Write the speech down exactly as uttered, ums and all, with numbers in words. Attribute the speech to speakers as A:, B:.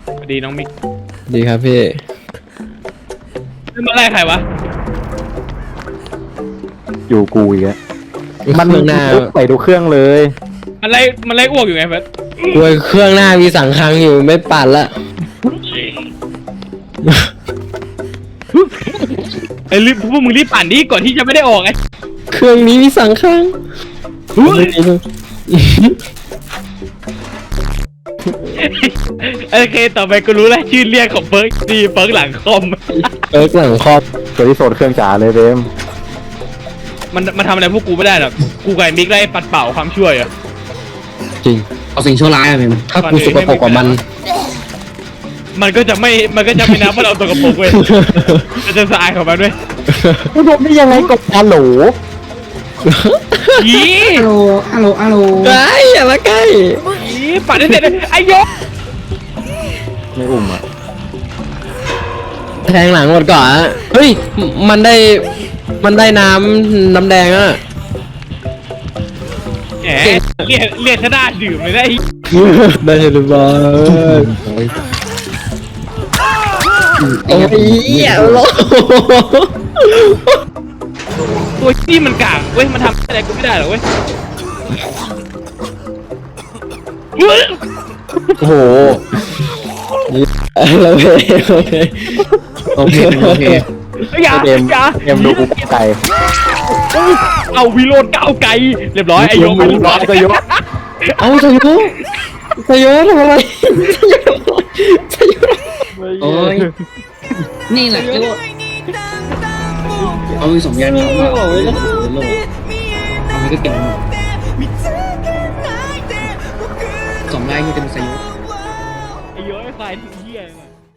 A: ดีน้องมิก
B: ดีครับพี่
A: มาไล่ใครวะ
C: อยู่กูอีกแล้วมัน
B: หน้า
C: ไปดูเครื่องเลย
A: มันไล่มันไล่อ้วกอยู่ไงเพื่อน
B: กลัวเครื่องหน้ามีสังคังอยู่ไม่ปั่นละ
A: ไอ้รีบพวกมึงรีบปั่นดิก่อนที่จะไม่ได้ออกไง
B: เครื่องนี้มีสังคัง
A: โอเคต่อไปกูรู้แล้วชื่อเรียกของเฟิร์กดีเฟิร์กหลังคอม
B: เฟิร์กหลังคอม
C: ตัวที่โซนเครื่องจ๋าเลยเบม
A: มันมันทำอะไรพวกกูไม่ได้หรอกกูกับมิกไล่ปัดเป่าความช่วยอะ
B: จริง
D: เอาสิ่งชั่วร้ายอะเป็น
B: ถ้ากูสกปรกกว่ามัน
A: มันก็จะไม่มันก็จะไม่นับว่าเราตัวกระโปรงเว้ยมันจะสะอาดของมันด้วย
C: กูโดนได้ยังไงกับฮัลโหล
A: ยี่
D: ฮัลโหลฮัลโหลฮัลโหล
B: ไอ้อย่ามาใกล้
A: ยี่ปัดได้เสร็จเลยไอ้ยก
C: ไม่อุ้มอ่ะ
B: แทงหลังหมดก่อนเฮ้ยมันได้มันได้น้ำน้ำแดงอ่ะ
A: แหมเรียกเรียกชนะดื่มเลยได้
B: ได้หรือเปล่าโอ้ยเหี้ยโล
A: ตัวที่มันกากเว้ยมันทำอะไรกูไม่ได้หรอกเว้ย
B: โอ้โหโอเคโอเค
D: โอเคโอเค
A: อย่า
C: เกม
A: อย่า
C: เกมดูกูไก่
A: เอาวิโรดก้าวไกลเรียบร้อยไอ้โยม
C: วิโรจน์ก็ยก
B: เอาสยุสยุทำอะไรสยุ
D: โอ้ยนี่แหละที่ว่าเอาสมญานเขามาเอาไปเลยเอาไปก็เก่งสมไล่ที่เป็นสยุ
A: ไอ้โยมไอ้ควายเหี้ย